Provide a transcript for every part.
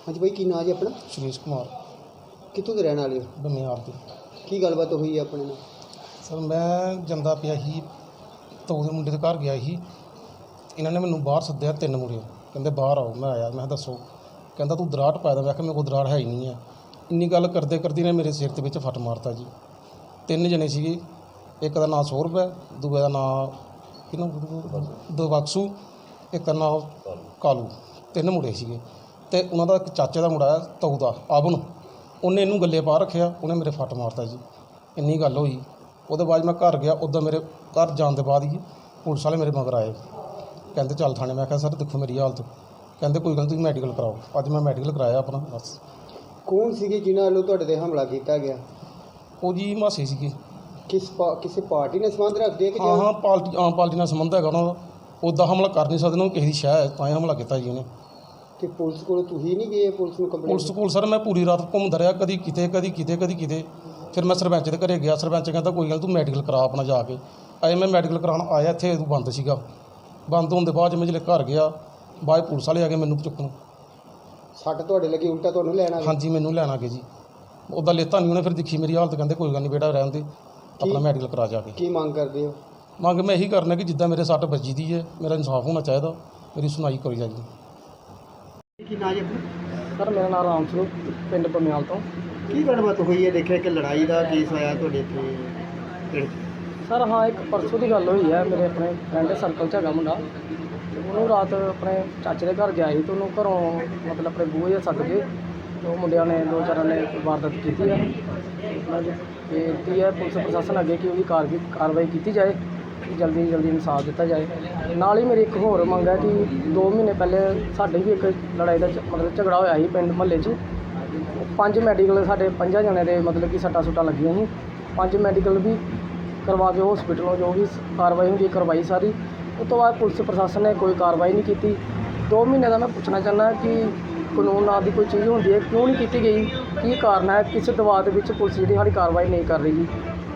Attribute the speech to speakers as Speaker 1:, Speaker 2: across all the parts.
Speaker 1: हाँ जी भाई, की नाम जी अपना?
Speaker 2: सुरेश कुमार
Speaker 1: कितों के रहने वाले हो?
Speaker 2: बनियार की।
Speaker 1: की गलबात हुई है अपने नाल?
Speaker 2: सर मैं ਜਾਂਦਾ ਪਿਆ ਸੀ तो ਉਹਦੇ ਮੁੰਡੇ ਦੇ ਘਰ ਗਿਆ ਸੀ। ਇਹਨਾਂ ਨੇ ਮੈਨੂੰ ਬਾਹਰ ਸੱਦਿਆ, 3 ਮੁੰਡੇ ਕਹਿੰਦੇ ਬਾਹਰ ਆਓ। ਮੈਂ ਆਇਆ, ਮੈਂ ਕਿਹਾ ਦੱਸੋ। ਕਹਿੰਦਾ ਤੂੰ ਦਰਾੜ ਪਾਇਆ ਦਾ। ਮੈਂ ਕਿਹਾ ਮੇਰੇ ਕੋਲ ਦਰਾੜ ਹੈ ਹੀ ਨਹੀਂ ਹੈ। ਇੰਨੀ ਗੱਲ ਕਰਦੇ ਕਰਦੇ ਨੇ ਮੇਰੇ ਸਿਰ ਦੇ ਵਿੱਚ ਫੱਟ ਮਾਰਤਾ ਜੀ। 3 ਜਣੇ ਸੀਗੇ, ਇੱਕ ਦਾ ਨਾਂ ਸੌਰਭ ਹੈ, ਦੂਜੇ ਦਾ ਨਾਂ ਕਿਹਨੂੰ ਦਬਖਸ਼ੂ, ਇੱਕ ਦਾ ਨਾਂ ਕਾਲੂ। 3 ਮੁੰਡੇ ਸੀਗੇ ਅਤੇ ਉਹਨਾਂ ਦਾ ਇੱਕ ਚਾਚੇ ਦਾ ਮੁੰਡਾ ਹੈ ਤਾਊ ਦਾ ਆਬਨ, ਉਹਨੇ ਇਹਨੂੰ ਗੱਲੇ ਪਾ ਰੱਖਿਆ, ਉਹਨੇ ਮੇਰੇ ਫੱਟ ਮਾਰਤਾ ਜੀ। ਇੰਨੀ ਗੱਲ ਹੋਈ। ਉਹਦੇ ਬਾਅਦ ਮੈਂ ਘਰ ਗਿਆ। ਉੱਦਾਂ ਮੇਰੇ ਘਰ ਜਾਣ ਦੇ ਬਾਅਦ ਹੀ ਪੁਲਿਸ ਵਾਲੇ ਮੇਰੇ ਮਗਰ ਆਏ, ਕਹਿੰਦੇ ਚੱਲ ਥਾਣੇ। ਮੈਂ ਕਿਹਾ ਸਰ ਦੇਖੋ ਮੇਰੀ ਹਾਲਤ, ਕਹਿੰਦੇ ਕੋਈ ਗੱਲ ਨਹੀਂ ਤੁਸੀਂ ਮੈਡੀਕਲ ਕਰਾਓ। ਅੱਜ ਮੈਂ ਮੈਡੀਕਲ ਕਰਾਇਆ ਆਪਣਾ। ਬਸ।
Speaker 1: कौन सी जिन्होंने ਵੱਲੋਂ ਤੁਹਾਡੇ ਤੇ ਹਮਲਾ ਕੀਤਾ ਗਿਆ?
Speaker 2: ਉਹ ਜੀ ਮਾਸੀ ਸੀਗੇ।
Speaker 1: ਕਿਸੇ ਪਾਰਟੀ ਨਾਲ ਸੰਬੰਧ ਰੱਖਦੇ ਕਿ
Speaker 2: ਹਾਂ ਆਮ ਪਾਰਟੀ ਨਾਲ ਸੰਬੰਧ ਹੈਗਾ ਉਹਨਾਂ ਦਾ। ਉੱਦਾਂ ਹਮਲਾ ਕਰ ਨਹੀਂ ਸਕਦੇ, ਉਹਨੂੰ ਕਿਸੇ ਦੀ ਸ਼ਹਿ ਹੈ ਤਾਂ ਹੀ ਹਮਲਾ ਕੀਤਾ ਜੀ ਉਹਨੇ।
Speaker 1: ਤੇ ਪੁਲਿਸ ਕੋਲ ਤੁਸੀਂ ਨਹੀਂ ਗਏ? ਪੁਲਿਸ ਨੂੰ ਕੰਪਲੇਂਟ?
Speaker 2: ਪੁਲਿਸ ਕੋਲ ਸਰ ਮੈਂ ਪੂਰੀ ਰਾਤ ਘੁੰਮਦਾ ਰਿਹਾ, ਕਦੀ ਕਿਤੇ ਕਦੀ ਕਿਤੇ। ਫਿਰ ਮੈਂ ਸਰਪੰਚ ਦੇ ਘਰੇ ਗਿਆ। ਸਰਪੰਚ ਕਹਿੰਦਾ ਕੋਈ ਗੱਲ ਤੂੰ ਮੈਡੀਕਲ ਕਰਾ ਆਪਣਾ ਜਾ ਕੇ। ਅਜੇ ਮੈਂ ਮੈਡੀਕਲ ਕਰਾਉਣ ਆਇਆ, ਇੱਥੇ ਬੰਦ ਸੀਗਾ। ਬੰਦ ਹੋਣ ਦੇ ਬਾਅਦ ਮੈਂ ਜਿਹੜੇ ਘਰ ਗਿਆ, ਬਾਅਦ ਪੁਲਿਸ ਵਾਲੇ ਆ ਗਏ ਮੈਨੂੰ ਚੁੱਕਣ।
Speaker 1: ਸੱਟ ਤੁਹਾਡੇ ਲੱਗੀ, ਉਲਟਾ ਤੁਹਾਨੂੰ ਲੈਣ ਆ ਗਏ?
Speaker 2: ਹਾਂਜੀ ਮੈਨੂੰ ਲੈਣ ਆ ਗਏ ਜੀ। ਉੱਦਾਂ ਲੇਤਾ ਨਹੀਂ ਉਹਨੇ। ਫਿਰ ਦੇਖੀ ਮੇਰੀ ਹਾਲਤ, ਕਹਿੰਦੇ ਕੋਈ ਗੱਲ ਨਹੀਂ ਬੇਟਾ ਰਹਿਣ ਦੇ, ਆਪਣਾ ਮੈਡੀਕਲ ਕਰਾ ਜਾ ਕੇ।
Speaker 1: ਕੀ ਮੰਗ ਕਰਦੇ ਹੋ?
Speaker 2: ਮੰਗ ਮੈਂ ਇਹੀ ਕਰਨਾ ਕਿ ਜਿੱਦਾਂ ਮੇਰੇ ਸੱਟ ਵੱਜੀ ਦੀ ਹੈ, ਮੇਰਾ ਇਨਸਾਫ ਹੋਣਾ ਚਾਹੀਦਾ, ਮੇਰੀ ਸੁਣਾਈ ਕਰੀ ਜਾਏ।
Speaker 1: ਕੀ ਨਾਂ ਜੀ ਆਪਣਾ?
Speaker 3: ਸਰ ਮੇਰਾ ਨਾਮ ਰਾਮ ਸਰੂਪ, ਪਿੰਡ ਬਮਿਆਲ ਤੋਂ।
Speaker 1: ਕੀ ਗੱਲਬਾਤ ਹੋਈ ਹੈ? ਦੇਖਿਆ ਕਿ ਲੜਾਈ ਦਾ ਕੇਸ ਆਇਆ ਤੁਹਾਡੇ ਇੱਥੇ।
Speaker 3: ਸਰ ਹਾਂ, ਇੱਕ ਪਰਸੋਂ ਦੀ ਗੱਲ ਹੋਈ ਹੈ। ਮੇਰੇ ਆਪਣੇ ਫਰੈਂਡ ਸਰਕਲ 'ਚ ਹੈਗਾ ਮੁੰਡਾ, ਤੇ ਉਹਨੂੰ ਰਾਤ ਆਪਣੇ ਚਾਚੇ ਦੇ ਘਰ ਗਿਆ ਸੀ, ਤੇ ਉਹਨੂੰ ਘਰੋਂ ਮਤਲਬ ਆਪਣੇ ਬੂਹੇ 'ਤੇ ਸੱਦ ਕੇ ਤੇ ਉਹ ਮੁੰਡਿਆਂ ਨੇ 2-4 ਨੇ ਵਾਰਦਾਤ ਕੀਤੀ ਹੈ। ਉਹਨਾਂ ਦੀ ਬੇਨਤੀ ਹੈ ਪੁਲਿਸ ਪ੍ਰਸ਼ਾਸਨ ਅੱਗੇ ਕਿ ਉਹਦੀ ਕਾਰਵਾਈ ਕੀਤੀ ਜਾਏ, ਜਲਦੀ ਇਨਸਾਫ ਦਿੱਤਾ ਜਾਏ। ਨਾਲ ਹੀ ਮੇਰੀ ਇੱਕ ਹੋਰ ਮੰਗ ਹੈ ਕਿ 2 ਮਹੀਨੇ ਪਹਿਲੇ ਸਾਡੇ ਵੀ ਇੱਕ ਲੜਾਈ ਦਾ ਮਤਲਬ ਝਗੜਾ ਹੋਇਆ ਸੀ ਪਿੰਡ ਮੁਹੱਲੇ 'ਚ। 5 ਮੈਡੀਕਲ ਸਾਡੇ 5 ਜਣਿਆਂ ਦੇ ਮਤਲਬ ਕਿ ਸੱਟਾਂ ਲੱਗੀਆਂ ਸੀ। 5 ਮੈਡੀਕਲ ਵੀ ਕਰਵਾ ਕੇ ਹਸਪੀਟਲੋਂ ਜੋ ਵੀ ਕਾਰਵਾਈ ਹੁੰਦੀ ਕਰਵਾਈ ਸਾਰੀ। ਉਸ ਤੋਂ ਬਾਅਦ ਪੁਲਿਸ ਪ੍ਰਸ਼ਾਸਨ ਨੇ ਕੋਈ ਕਾਰਵਾਈ ਨਹੀਂ ਕੀਤੀ। 2 ਮਹੀਨੇ ਦਾ ਮੈਂ ਪੁੱਛਣਾ ਚਾਹੁੰਦਾ ਕਿ ਕਾਨੂੰਨ ਨਾਂ ਦੀ ਕੋਈ ਚੀਜ਼ ਹੁੰਦੀ ਹੈ, ਕਿਉਂ ਨਹੀਂ ਕੀਤੀ ਗਈ? ਕੀ ਕਾਰਨ ਹੈ? ਕਿਸ ਦਬਾਅ ਦੇ ਵਿੱਚ ਪੁਲਿਸ ਜਿਹੜੀ ਸਾਡੀ ਕਾਰਵਾਈ ਨਹੀਂ ਕਰ ਰਹੀ ਜੀ?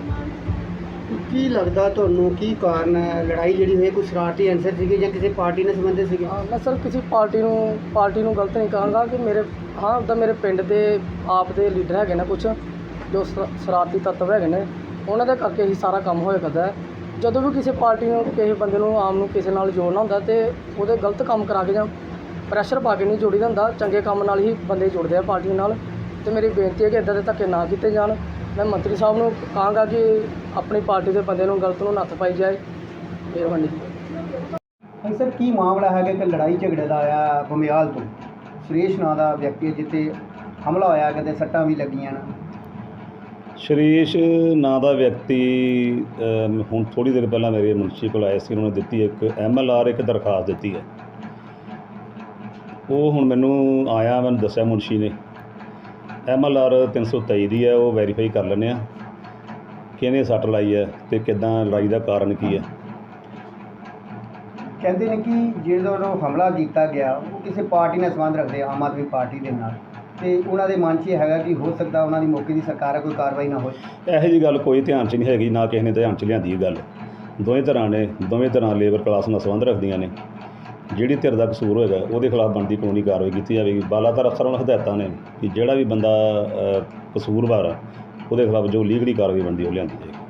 Speaker 1: ਕੀ ਲੱਗਦਾ ਤੁਹਾਨੂੰ ਕੀ ਕਾਰਨ ਹੈ? ਲੜਾਈ ਜਿਹੜੀ ਹੋਈ ਕੋਈ ਸ਼ਰਾਰਤੀ ਅਨਸਰ ਸੀਗੇ ਜਾਂ ਕਿਸੇ ਪਾਰਟੀ ਨਾਲ ਸੰਬੰਧਿਤ ਸੀਗੇ?
Speaker 3: ਮੈਂ ਸਰ ਕਿਸੇ ਪਾਰਟੀ ਨੂੰ ਗਲਤ ਨਹੀਂ ਕਹਾਂਗਾ ਕਿ ਉੱਦਾਂ ਮੇਰੇ ਪਿੰਡ ਦੇ ਆਪ ਦੇ ਲੀਡਰ ਹੈਗੇ ਨੇ ਕੁਛ ਜੋ ਸ਼ਰਾਰਤੀ ਤੱਤਵ ਹੈਗੇ ਨੇ, ਉਹਨਾਂ ਦੇ ਕਰਕੇ ਹੀ ਸਾਰਾ ਕੰਮ ਹੋਇਆ ਕਰਦਾ ਹੈ। ਜਦੋਂ ਵੀ ਕਿਸੇ ਪਾਰਟੀ ਨੂੰ ਕਿਸੇ ਬੰਦੇ ਨੂੰ ਆਮ ਨੂੰ ਕਿਸੇ ਨਾਲ ਜੋੜਨਾ ਹੁੰਦਾ ਤੇ ਉਹਦੇ ਗਲਤ ਕੰਮ ਕਰਾ ਕੇ ਜਾਂ ਪ੍ਰੈਸ਼ਰ ਪਾ ਕੇ ਨਹੀਂ ਜੋੜੀਦਾ ਹੁੰਦਾ, ਚੰਗੇ ਕੰਮ ਨਾਲ ਹੀ ਬੰਦੇ ਜੁੜਦੇ ਆ ਪਾਰਟੀ ਨਾਲ। ਤੇ ਮੇਰੀ ਬੇਨਤੀ ਹੈ ਕਿ ਇੱਦਾਂ ਦੇ ਧੱਕੇ ਨਾ ਕੀਤੇ ਜਾਣ। ਮੈਂ ਮੰਤਰੀ ਸਾਹਿਬ ਨੂੰ ਕਹਾਂਗਾ ਕਿ ਆਪਣੀ ਪਾਰਟੀ ਦੇ ਬੰਦੇ ਨੂੰ ਗਲਤ ਨੂੰ ਨੱਥ ਪਾਈ ਜਾਏ। ਮਿਹਰਬਾਨੀ ਜੀ।
Speaker 1: ਸਰ ਕੀ ਮਾਮਲਾ ਹੈਗਾ ਕਿ ਲੜਾਈ ਝਗੜੇ ਦਾ ਆਇਆ ਬਮਿਆਲ ਤੋਂ? ਸੁਰੇਸ਼ ਨਾਂ ਦਾ ਵਿਅਕਤੀ ਜਿੱਥੇ ਹਮਲਾ ਹੋਇਆ, ਕਿਤੇ ਸੱਟਾਂ ਵੀ ਲੱਗੀਆਂ ਨੇ।
Speaker 4: ਸ਼ਰੀਸ਼ ਨਾਂ ਦਾ ਵਿਅਕਤੀ ਹੁਣ ਥੋੜ੍ਹੀ ਦੇਰ ਪਹਿਲਾਂ ਮੇਰੇ ਮੁਨਸ਼ੀ ਕੋਲ ਆਏ ਸੀ। ਉਹਨਾਂ ਨੇ ਦਿੱਤੀ ਇੱਕ MLR, ਇੱਕ ਦਰਖਾਸਤ ਦਿੱਤੀ ਹੈ। ਉਹ ਹੁਣ ਮੈਨੂੰ ਦੱਸਿਆ ਮੁਨਸ਼ੀ ਨੇ MLR 323 ਦੀ ਹੈ, ਉਹ ਵੈਰੀਫਾਈ ਕਰ ਲੈਂਦੇ ਹਾਂ ਕਿਹਨੇ ਸੱਟ ਲਾਈ ਹੈ ਅਤੇ ਕਿੱਦਾਂ ਲੜਾਈ ਦਾ ਕਾਰਨ ਕੀ ਹੈ।
Speaker 1: ਕਹਿੰਦੇ ਨੇ ਕਿ ਜਿਹੜਾ ਹਮਲਾ ਕੀਤਾ ਗਿਆ ਉਹ ਕਿਸੇ ਪਾਰਟੀ ਨਾਲ ਸੰਬੰਧ ਰੱਖਦੇ, ਆਮ ਆਦਮੀ ਪਾਰਟੀ ਦੇ ਨਾਲ, ਤੇ ਉਹਨਾਂ ਦੇ ਮਨ 'ਚ ਇਹ ਹੈਗਾ ਕਿ ਹੋ ਸਕਦਾ ਉਹਨਾਂ ਦੀ ਮੌਕੇ ਦੀ ਸਰਕਾਰ ਹੈ, ਕੋਈ ਕਾਰਵਾਈ ਨਾ ਹੋਏ।
Speaker 4: ਇਹੋ ਜਿਹੀ ਗੱਲ ਕੋਈ ਧਿਆਨ 'ਚ ਨਹੀਂ ਹੈਗੀ, ਨਾ ਕਿਸੇ ਨੇ ਧਿਆਨ 'ਚ ਲਿਆਂਦੀ ਇਹ ਗੱਲ। ਦੋਵੇਂ ਧਿਰਾਂ ਲੇਬਰ ਕਲਾਸ ਨਾਲ ਸੰਬੰਧ ਰੱਖਦੀਆਂ ਨੇ। ਜਿਹੜੀ ਧਿਰ ਦਾ ਕਸੂਰ ਹੋਏਗਾ ਉਹਦੇ ਖਿਲਾਫ ਬਣਦੀ ਕਾਨੂੰਨੀ ਕਾਰਵਾਈ ਕੀਤੀ ਜਾਵੇਗੀ। ਬਾਲਾਧਾਰ ਅਫਸਰਾਂ ਨੂੰ ਹਦਾਇਤਾਂ ਨੇ ਕਿ ਜਿਹੜਾ ਵੀ ਬੰਦਾ ਕਸੂਰਵਾਰ ਆ ਉਹਦੇ ਖਿਲਾਫ ਜੋ ਲੀਗਲੀ ਕਾਰਵਾਈ ਬਣਦੀ ਉਹ ਲਿਆਂਦੀ ਜਾਏਗੀ।